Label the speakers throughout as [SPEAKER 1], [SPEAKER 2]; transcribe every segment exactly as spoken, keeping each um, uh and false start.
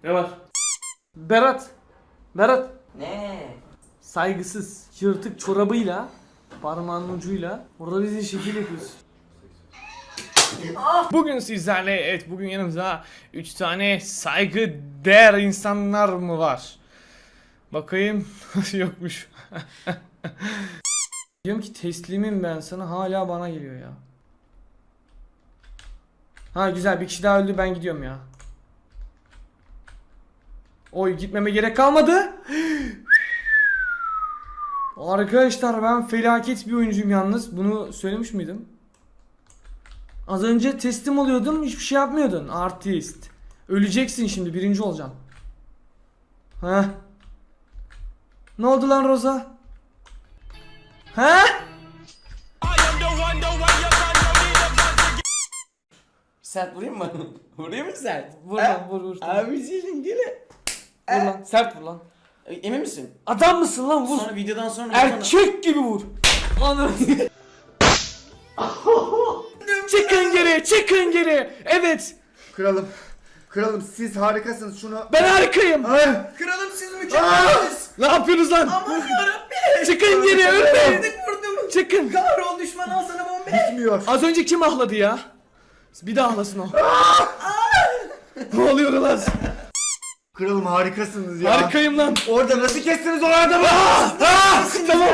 [SPEAKER 1] Ne var? Berat. Berat.
[SPEAKER 2] Ne?
[SPEAKER 1] Saygısız, yırtık çorabıyla, parmağının ucuyla orada bizi şekil yapıyorsun. Bugün sizlerle, evet bugün yanımızda üç tane saygı değer insanlar mı var? Bakayım. Yokmuş. Diyorum ki teslimim ben sana, hala bana geliyor ya. Ha güzel, bir kişi daha öldü, ben gidiyorum ya. Oy, gitmeme gerek kalmadı. Arkadaşlar ben felaket bir oyuncuyum yalnız. Bunu söylemiş miydim? Az önce teslim oluyordun, hiçbir şey yapmıyordun. Artist. Öleceksin şimdi, birinci olacaksın. Heh. Ne oldu lan Roza? Heh?
[SPEAKER 2] Sert vurayım mı? Vurayım mı sert?
[SPEAKER 1] Vur lan, vur vur.
[SPEAKER 2] Abi senin gene.
[SPEAKER 1] Vur lan, sert vur lan.
[SPEAKER 2] Emin misin?
[SPEAKER 1] Adam mısın lan, vur.
[SPEAKER 2] Sonra videodan sonra
[SPEAKER 1] Erkek gibi vur. Anam. Çıkın geri, çıkın geri. Evet.
[SPEAKER 3] Kralım, kralım siz harikasınız, şunu...
[SPEAKER 1] Ben harikayım.
[SPEAKER 3] Ay.
[SPEAKER 2] Kralım siz mükemmelsiniz.
[SPEAKER 1] Ne yapıyorsunuz lan?
[SPEAKER 2] Aman yarabbim.
[SPEAKER 1] Çıkın geri, ölmeyin.
[SPEAKER 2] Vurduk vurdum.
[SPEAKER 1] Çıkın.
[SPEAKER 2] Kahrol düşman al sana bombe.
[SPEAKER 3] Bitmiyor.
[SPEAKER 1] Az önce kim ahladı ya? Bir daha ahlasın o. Ne oluyor lan?
[SPEAKER 3] Kralım harikasınız ya.
[SPEAKER 1] Harikayım lan.
[SPEAKER 3] Orada nasıl kestiniz o adamı?
[SPEAKER 1] Ah, tamam.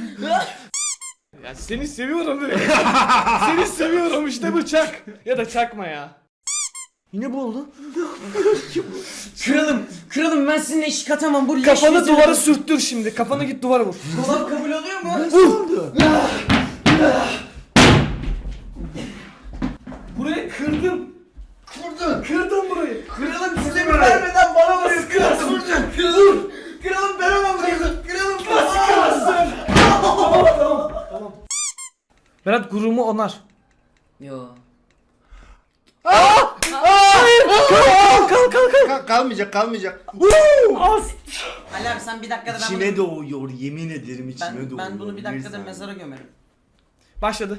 [SPEAKER 1] Ya seni seviyorum be. Seni seviyorum, işte bu çak. Ya da çakma ya. Yine bu oldu.
[SPEAKER 2] Kralım, kralım ben sizinle eşik atamam. Bu leş
[SPEAKER 1] Kafanı
[SPEAKER 2] yüzüne-
[SPEAKER 1] duvara sürttür şimdi. Kafanı git duvara vur.
[SPEAKER 2] Dolap kabul oluyor mu?
[SPEAKER 3] oldu?
[SPEAKER 1] Burayı kırdım.
[SPEAKER 3] Kurdun.
[SPEAKER 1] Kırdım burayı.
[SPEAKER 2] Kralım size bir vermeden bana vuruyor. Kralım. Kralım. Kralım ben ona vuruyorum. Kralım.
[SPEAKER 1] Kırarsın. Tamam tamam tamam. Berat gururumu onar.
[SPEAKER 2] Yo.
[SPEAKER 1] Hayır. Kalk kalk kalk kalk.
[SPEAKER 3] Ka- kalmayacak, kalmayacak.
[SPEAKER 1] Az.
[SPEAKER 2] Ali abi sen bir dakikada ben
[SPEAKER 3] İçime
[SPEAKER 2] bunu...
[SPEAKER 3] doğuyor, yemin ederim içime
[SPEAKER 2] Ben,
[SPEAKER 3] doğuyor.
[SPEAKER 2] ben bunu bir dakikada
[SPEAKER 3] saniye.
[SPEAKER 2] mezara gömerim.
[SPEAKER 1] Başladı.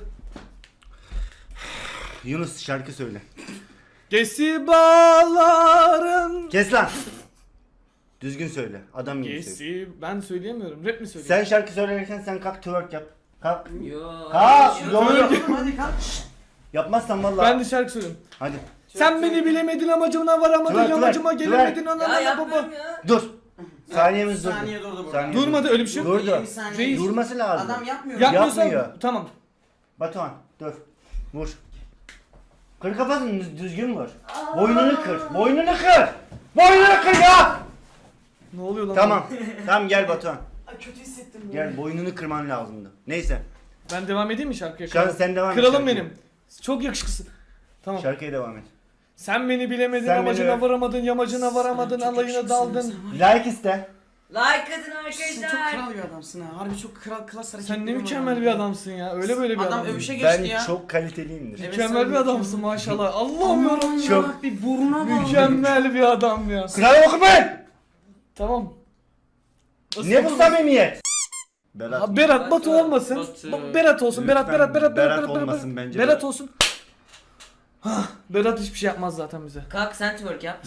[SPEAKER 3] Yunus şarkı söyle.
[SPEAKER 1] Gesi bağların.
[SPEAKER 3] Kes lan. Düzgün söyle, adam gibi söyle.
[SPEAKER 1] Gesi ben söyleyemiyorum. Rap mi söyleyeyim?
[SPEAKER 3] Sen şarkı söylerken sen kalk twerk yap. Kalk.
[SPEAKER 2] Yo.
[SPEAKER 3] Kalk.
[SPEAKER 2] Yo,
[SPEAKER 3] Doğru.
[SPEAKER 2] yo, hadi kalk.
[SPEAKER 3] Yapmazsan vallahi.
[SPEAKER 1] Ben de şarkı söylüyorum.
[SPEAKER 3] Hadi.
[SPEAKER 1] Sen beni bilemedin, amacına varamadın,
[SPEAKER 3] Twerk,
[SPEAKER 1] yamacıma
[SPEAKER 3] twerk,
[SPEAKER 1] gelemedin,
[SPEAKER 3] twerk.
[SPEAKER 1] ana
[SPEAKER 2] Ya
[SPEAKER 1] ana baba.
[SPEAKER 2] yapmıyorum ya.
[SPEAKER 3] Dur. Saniyemiz durdu.
[SPEAKER 2] Saniye durdu burada.
[SPEAKER 3] Saniye
[SPEAKER 1] Durmadı, öyle bir şey yok.
[SPEAKER 3] Durdu.
[SPEAKER 2] yirmi saniye.
[SPEAKER 1] Reis.
[SPEAKER 3] Durması lazım.
[SPEAKER 2] Adam yapmıyor.
[SPEAKER 1] Yapmıyorsan
[SPEAKER 3] Yapmıyor.
[SPEAKER 1] tamam.
[SPEAKER 3] Batuhan dur. Vur. Kır kafasını düz- düzgün vur. Boynunu kır. Boynunu kır. Boynunu kır ya.
[SPEAKER 1] Ne oluyor lan?
[SPEAKER 3] Tamam. Tamam gel Batuhan.
[SPEAKER 2] Ay, kötü hissettim ya.
[SPEAKER 3] Gel boynunu kırman lazımdı. Neyse.
[SPEAKER 1] Ben devam edeyim mi şarkıya?
[SPEAKER 3] Şu an sen devam et
[SPEAKER 1] Kralım
[SPEAKER 3] şarkıya.
[SPEAKER 1] benim. Çok yakışıklısın. Tamam.
[SPEAKER 3] Şarkıya devam et.
[SPEAKER 1] Sen beni bilemedin,
[SPEAKER 3] Sen
[SPEAKER 1] amacına
[SPEAKER 3] beni-
[SPEAKER 1] varamadın, yamacına varamadın,
[SPEAKER 2] Çok
[SPEAKER 1] alayına
[SPEAKER 2] yakışıklısın
[SPEAKER 1] daldın.
[SPEAKER 2] sen.
[SPEAKER 3] Like iste.
[SPEAKER 2] Like atın arkadaşlar. Sen çok
[SPEAKER 4] arkadaşlar.
[SPEAKER 2] kral bir adamsın ha. Harbi çok kral klas hareketleri
[SPEAKER 1] Sen ne
[SPEAKER 2] var
[SPEAKER 1] mükemmel
[SPEAKER 2] abi.
[SPEAKER 1] bir adamsın ya. Öyle böyle bir
[SPEAKER 2] Adam
[SPEAKER 1] adam.
[SPEAKER 2] övüşe geçti
[SPEAKER 3] Ben
[SPEAKER 2] ya.
[SPEAKER 3] çok kaliteliyimdir.
[SPEAKER 2] Evet,
[SPEAKER 1] Mükemmel
[SPEAKER 2] sen
[SPEAKER 1] bir adamsın maşallah. Allah'ım
[SPEAKER 2] Aman
[SPEAKER 1] yarabbim.
[SPEAKER 3] Çok-
[SPEAKER 2] ya, bir buruna bak.
[SPEAKER 1] Mükemmel bir adam ya.
[SPEAKER 3] Kral okumayın.
[SPEAKER 1] Tamam.
[SPEAKER 3] Ne bu samimiyet? Berat.
[SPEAKER 1] Ha, Berat, Batu
[SPEAKER 2] Batu.
[SPEAKER 1] olmasın.
[SPEAKER 2] Batu.
[SPEAKER 1] Ba- Berat olsun. Berat,
[SPEAKER 3] Lütfen
[SPEAKER 1] Berat, Berat, Berat,
[SPEAKER 3] Berat
[SPEAKER 1] Berat, Berat,
[SPEAKER 3] olmasın
[SPEAKER 1] Berat.
[SPEAKER 3] bence
[SPEAKER 1] Berat
[SPEAKER 3] de.
[SPEAKER 1] olsun. Hah, Berat hiçbir şey yapmaz zaten bize.
[SPEAKER 2] Kalk sen twerk yap.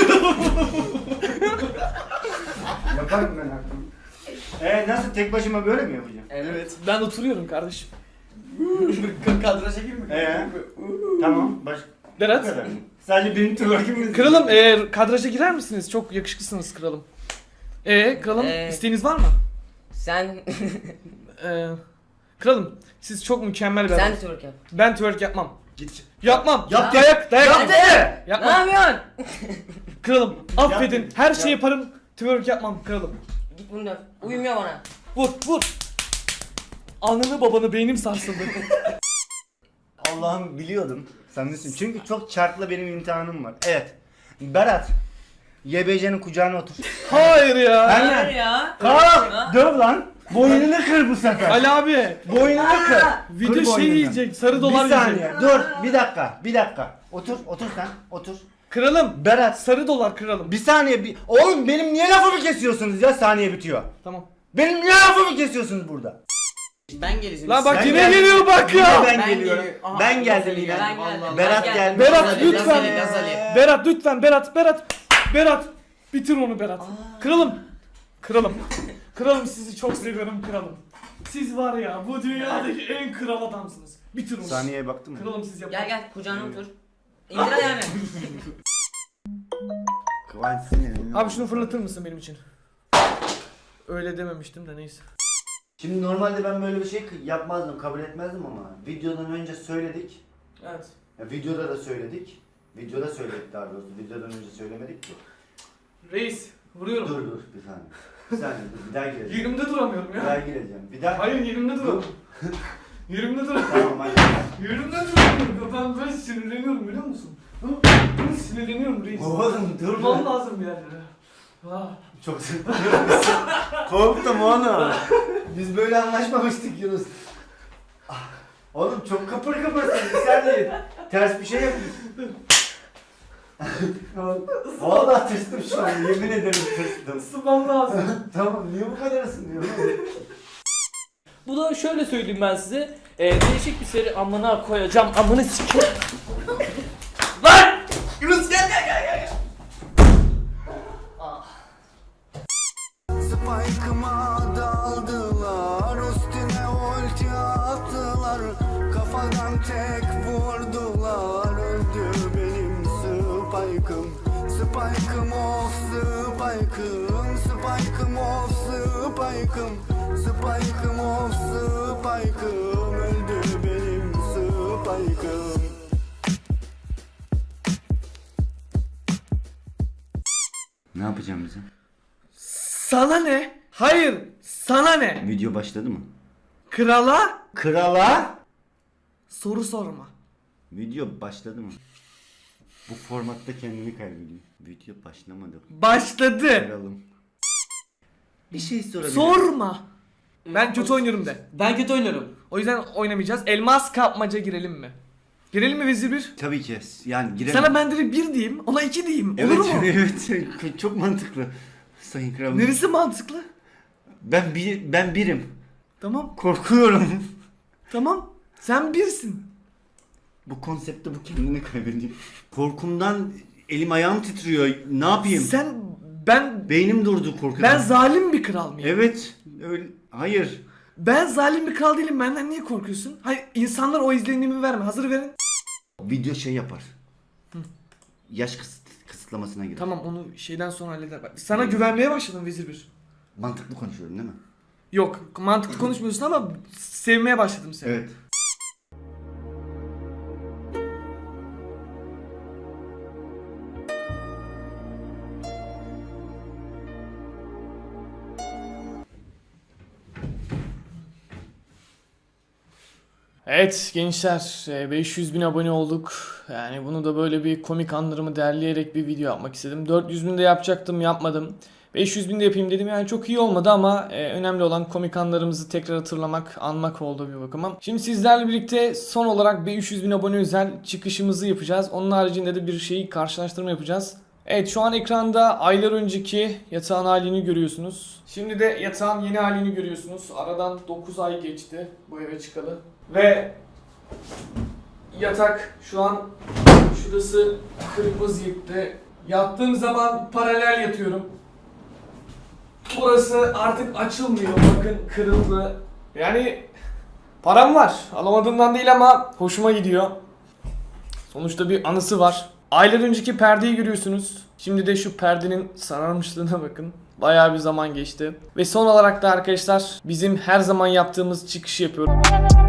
[SPEAKER 3] Yaparım ben artık. Eee nasıl tek başıma böyle mi yapacağım?
[SPEAKER 2] Evet.
[SPEAKER 1] Ben oturuyorum kardeşim.
[SPEAKER 2] Kadraja çekeyim mi?
[SPEAKER 3] Eee tamam baş. Bu
[SPEAKER 1] Berat.
[SPEAKER 3] kadar. Sadece benim twerk'im mi?
[SPEAKER 1] Kralım, eğer kadraja girer misiniz? Çok yakışıklısınız kralım. Ee, kralım
[SPEAKER 2] Ee,
[SPEAKER 1] isteğiniz var mı?
[SPEAKER 2] Sen
[SPEAKER 1] Ee, kralım siz çok mükemmel bir
[SPEAKER 2] sen
[SPEAKER 1] adamsınız.
[SPEAKER 2] twerk yap.
[SPEAKER 1] Ben twerk yapmam.
[SPEAKER 3] Git.
[SPEAKER 1] Yapmam.
[SPEAKER 3] Yap,
[SPEAKER 1] dayak, dayak.
[SPEAKER 3] Yap
[SPEAKER 1] Yapmam.
[SPEAKER 3] de.
[SPEAKER 2] Ne
[SPEAKER 1] Yapmam.
[SPEAKER 2] yapıyorsun?
[SPEAKER 1] Kralım affedin.
[SPEAKER 3] Yap.
[SPEAKER 1] Her şeyi
[SPEAKER 3] Yap.
[SPEAKER 1] yaparım. Twerk yapmam kralım.
[SPEAKER 2] Git bunu dön. Uyumuyor bana.
[SPEAKER 1] Vur, vur. Ananı babanı, beynim sarsıldı.
[SPEAKER 3] Allah'ım biliyordum. Sen nesin? Çünkü çok çarkla benim imtihanım var. Evet. Berat. Y B C'nin kucağına otur.
[SPEAKER 1] Hayır ya.
[SPEAKER 3] Ben-
[SPEAKER 2] Hayır ya.
[SPEAKER 3] Kalk. Döv lan. Boynunu kır bu sefer.
[SPEAKER 1] Ali abi.
[SPEAKER 3] Boynunu kır.
[SPEAKER 1] Video
[SPEAKER 3] Kır
[SPEAKER 1] şey
[SPEAKER 3] boynunu.
[SPEAKER 1] yiyecek. Sarı dolar
[SPEAKER 3] Bir saniye.
[SPEAKER 1] yiyecek.
[SPEAKER 3] Dur. Bir dakika. Bir dakika. Otur. Otur sen. Otur.
[SPEAKER 1] Kralım.
[SPEAKER 3] Berat.
[SPEAKER 1] Sarı dolar kralım.
[SPEAKER 3] Bir saniye. Bir... Oğlum benim niye lafımı kesiyorsunuz ya? Saniye bitiyor.
[SPEAKER 1] Tamam.
[SPEAKER 3] Benim niye lafımı kesiyorsunuz burada?
[SPEAKER 2] Ben geleceğim.
[SPEAKER 1] Lan bak
[SPEAKER 3] Ben
[SPEAKER 1] yine
[SPEAKER 3] geldim.
[SPEAKER 1] geliyor bak ya.
[SPEAKER 3] Ben,
[SPEAKER 2] Ben
[SPEAKER 3] geliyorum.
[SPEAKER 2] geliyorum. Aha,
[SPEAKER 3] ben geldim
[SPEAKER 2] Gazali
[SPEAKER 3] yine.
[SPEAKER 2] geldi. Vallahi.
[SPEAKER 3] Berat
[SPEAKER 2] Ben
[SPEAKER 3] geldi.
[SPEAKER 1] Berat
[SPEAKER 2] Gazali,
[SPEAKER 1] lütfen.
[SPEAKER 2] Gazali, Gazali.
[SPEAKER 1] Berat lütfen, Berat, Berat. Berat. Bitir onu Berat. Kralım. Kralım. Kralım sizi çok seviyorum kralım. Siz var ya bu dünyadaki en kral adamsınız. Bitir onu.
[SPEAKER 3] Saniyeye baktın mı?
[SPEAKER 1] Kralım siz yapın.
[SPEAKER 4] Gel gel kucağına otur. İndir ayağını.
[SPEAKER 3] Kıvanç Sinir'in.
[SPEAKER 1] Abi şunu fırlatır mısın benim için? Öyle dememiştim de neyse.
[SPEAKER 3] Şimdi normalde ben böyle bir şey yapmazdım, kabul etmezdim ama videodan önce söyledik.
[SPEAKER 1] Evet.
[SPEAKER 3] Ya videoda da söyledik. Videoda söyledik daha doğrusu. Videodan önce söylemedik ki.
[SPEAKER 1] Reis vuruyorum.
[SPEAKER 3] Dur dur bir saniye. Bir saniye dur bir daha gireceğim.
[SPEAKER 1] Yerimde duramıyorum
[SPEAKER 3] Bir daha
[SPEAKER 1] ya.
[SPEAKER 3] gireceğim. Bir daha.
[SPEAKER 1] Hayır yerimde duramıyorum. Yerimde duramıyorum.
[SPEAKER 3] Tamam hadi.
[SPEAKER 1] Yerimde duramıyorum. Ben böyle sinirleniyorum biliyor musun? Ben sinirleniyorum reis.
[SPEAKER 3] Oğlum dur
[SPEAKER 1] Durmam
[SPEAKER 3] lan.
[SPEAKER 1] lazım bir yerlere. Ah.
[SPEAKER 3] Çok sıkılıyorum. Korktum oğlum. Biz böyle anlaşmamıştık Yunus. Ah, oğlum çok kıpır kıpırsın. Bir saniye. Ters bir şey yapıyorsun. Vallahi tırstım şu an. Yemin ederim tırstım.
[SPEAKER 1] Isınmam lazım.
[SPEAKER 3] Tamam niye bu kadar ısınıyorsun?
[SPEAKER 5] Bu da şöyle söyleyeyim ben size. Ee, değişik bir seri amına koyacağım. Amını sikeyim. Lan!
[SPEAKER 2] Yunus gel gel gel gel.
[SPEAKER 6] Spike'ıma daldılar, üstüne ulti attılar, kafadan tek vurdular, öldü benim Spike'ım. Spike'ım of Spike'ım, Spike'ım of Spike'ım, Spike'ım of Spike'ım, öldü benim Spike'ım.
[SPEAKER 3] Ne yapacağım bize?
[SPEAKER 1] Sana ne? Hayır. Sana ne?
[SPEAKER 3] Video başladı mı?
[SPEAKER 1] Krala
[SPEAKER 3] Krala?
[SPEAKER 1] soru sorma.
[SPEAKER 3] Video başladı mı? Bu formatta kendini kaybediyor. Video başlamadı.
[SPEAKER 1] Başladı.
[SPEAKER 3] Kralım. Bir şey sorabilirim.
[SPEAKER 1] Sorma. Ben kötü oynuyorum de.
[SPEAKER 4] Ben kötü oynuyorum.
[SPEAKER 1] O yüzden oynamayacağız. Elmas kapmaca girelim mi? Girelim mi vezir bir?
[SPEAKER 3] Tabii ki. Yani girelim.
[SPEAKER 1] Sana ben direkt bir diyeyim, ona iki diyeyim. Olur
[SPEAKER 3] Evet,
[SPEAKER 1] mu?
[SPEAKER 3] evet. Çok mantıklı. Sayın kralım.
[SPEAKER 1] Neresi mantıklı?
[SPEAKER 3] Ben bir ben birim.
[SPEAKER 1] Tamam.
[SPEAKER 3] Korkuyorum.
[SPEAKER 1] Tamam. Sen birsin.
[SPEAKER 3] Bu konseptte bu kendini kaybediyor. Korkumdan elim ayağım titriyor. Ne yapayım?
[SPEAKER 1] Sen ben
[SPEAKER 3] Beynim durdu korkudan.
[SPEAKER 1] ben zalim bir kral mıyım?
[SPEAKER 3] Evet. Öyle. Hayır.
[SPEAKER 1] Ben zalim bir kral değilim. Benden niye korkuyorsun? Hayır, insanlar o izlenimi verme. Hazır verin.
[SPEAKER 3] Video şey yapar. Yaş kısıt, kısıtlamasına girer.
[SPEAKER 1] Tamam, onu şeyden sonra halleder. Bak, sana güvenmeye başladım vezir bir.
[SPEAKER 3] Mantıklı konuşuyorum değil mi?
[SPEAKER 1] Yok, mantıklı konuşmuyorsun ama sevmeye başladım seni.
[SPEAKER 3] Evet.
[SPEAKER 1] Evet gençler, beş yüz bin abone olduk. Yani bunu da böyle bir komik anlarımı derleyerek bir video yapmak istedim. dört yüz bin de yapacaktım, yapmadım. beş yüz bin de yapayım dedim, yani çok iyi olmadı ama e, önemli olan komik anlarımızı tekrar hatırlamak, anmak oldu bir bakıma. Şimdi sizlerle birlikte son olarak beş yüz bin abone özel çıkışımızı yapacağız. Onun haricinde de bir şeyi karşılaştırma yapacağız. Evet, şu an ekranda aylar önceki yatağın halini görüyorsunuz. Şimdi de yatağın yeni halini görüyorsunuz. Aradan dokuz ay geçti bu eve çıkalı. Ve yatak şu an şurası kırık vaziyette. Yattığım zaman paralel yatıyorum. Burası artık açılmıyor. Bakın, kırıldı. Yani param var. Alamadığımdan değil ama hoşuma gidiyor. Sonuçta bir anısı var. Aylar önceki perdeyi görüyorsunuz. Şimdi de şu perdenin sararmışlığına bakın. Bayağı bir zaman geçti. Ve son olarak da arkadaşlar bizim her zaman yaptığımız çıkışı yapıyorum.